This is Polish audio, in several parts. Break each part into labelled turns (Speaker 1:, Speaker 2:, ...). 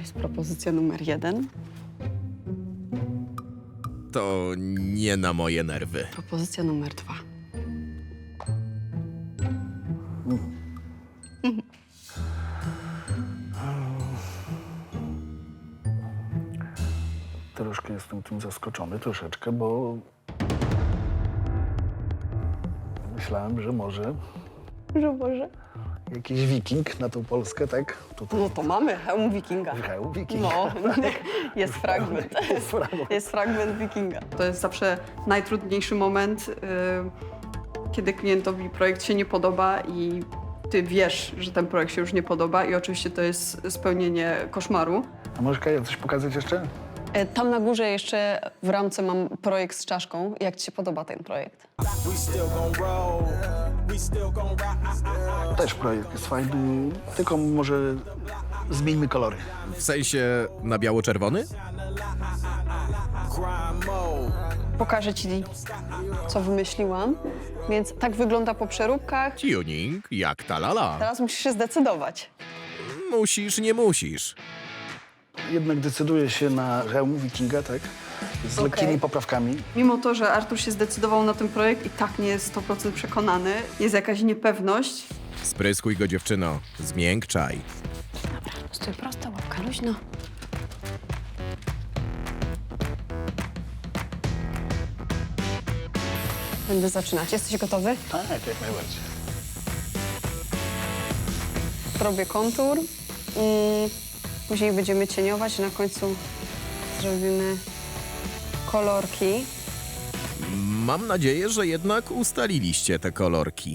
Speaker 1: jest propozycja numer 1.
Speaker 2: To nie na moje nerwy.
Speaker 1: Propozycja numer 2.
Speaker 3: Troszkę jestem tym zaskoczony, troszeczkę, bo myślałem, że może
Speaker 1: Że Boże.
Speaker 3: jakiś wiking na tą Polskę, tak? Tutaj
Speaker 1: No to mamy hełm wikinga.
Speaker 3: Michał Wiking.
Speaker 1: No, jest fragment.
Speaker 3: Jest fragment.
Speaker 1: Jest fragment wikinga. To jest zawsze najtrudniejszy moment, kiedy klientowi projekt się nie podoba i ty wiesz, że ten projekt się już nie podoba i oczywiście to jest spełnienie koszmaru.
Speaker 3: A możesz, Kaja, coś pokazać jeszcze?
Speaker 1: Tam na górze jeszcze w ramce mam projekt z czaszką. Jak ci się podoba ten projekt?
Speaker 3: Też projekt jest fajny, tylko może zmieńmy kolory.
Speaker 2: W sensie na biało-czerwony?
Speaker 1: Pokażę ci, co wymyśliłam. Więc tak wygląda po przeróbkach.
Speaker 2: Tuning jak ta lala.
Speaker 1: Teraz musisz się zdecydować.
Speaker 2: Musisz, nie musisz.
Speaker 3: Jednak decyduję się na hełm Wikinga, tak? Z lekkimi poprawkami.
Speaker 1: Mimo to, że Artur się zdecydował na ten projekt i tak nie jest 100% przekonany, jest jakaś niepewność.
Speaker 2: Spryskuj go, dziewczyno. Zmiękczaj.
Speaker 1: Stój prosto, łapka luźno. Będę zaczynać. Jesteś gotowy?
Speaker 3: Tak, jak najbardziej.
Speaker 1: Robię kontur. Później będziemy cieniować. Na końcu zrobimy kolorki.
Speaker 2: Mam nadzieję, że jednak ustaliliście te kolorki.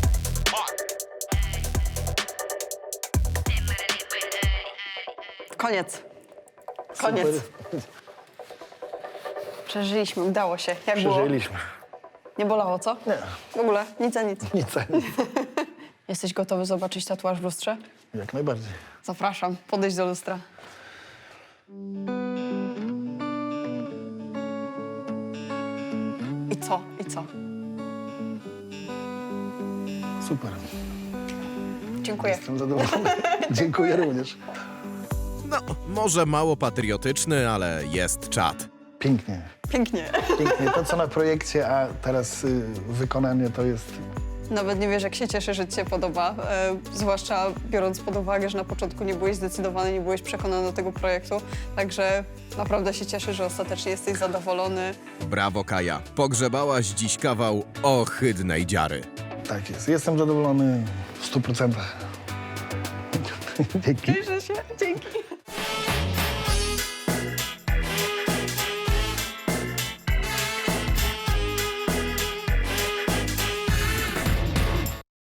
Speaker 1: Koniec. Koniec.
Speaker 3: Super.
Speaker 1: Przeżyliśmy, udało się. Jak było?
Speaker 3: Przeżyliśmy.
Speaker 1: Nie bolało, co?
Speaker 3: Nie,
Speaker 1: W ogóle, nic a nic.
Speaker 3: nic.
Speaker 1: Jesteś gotowy zobaczyć tatuaż w lustrze?
Speaker 3: Jak najbardziej.
Speaker 1: Zapraszam, podejść do lustra. I co? I co?
Speaker 3: Super.
Speaker 1: Dziękuję.
Speaker 3: Jestem zadowolony. Dziękuję również.
Speaker 2: No, może mało patriotyczny, ale jest czad.
Speaker 3: Pięknie.
Speaker 1: Pięknie.
Speaker 3: Pięknie. To, co na projekcie, a teraz wykonanie, to jest...
Speaker 1: Nawet nie wiesz, jak się cieszę, że ci się podoba. Zwłaszcza biorąc pod uwagę, że na początku nie byłeś zdecydowany, nie byłeś przekonany do tego projektu. Także naprawdę się cieszę, że ostatecznie jesteś zadowolony.
Speaker 2: Brawo, Kaja. Pogrzebałaś dziś kawał ohydnej dziary.
Speaker 3: Tak jest. Jestem zadowolony w 100%. Dzięki.
Speaker 1: Cieszę się. Dzięki.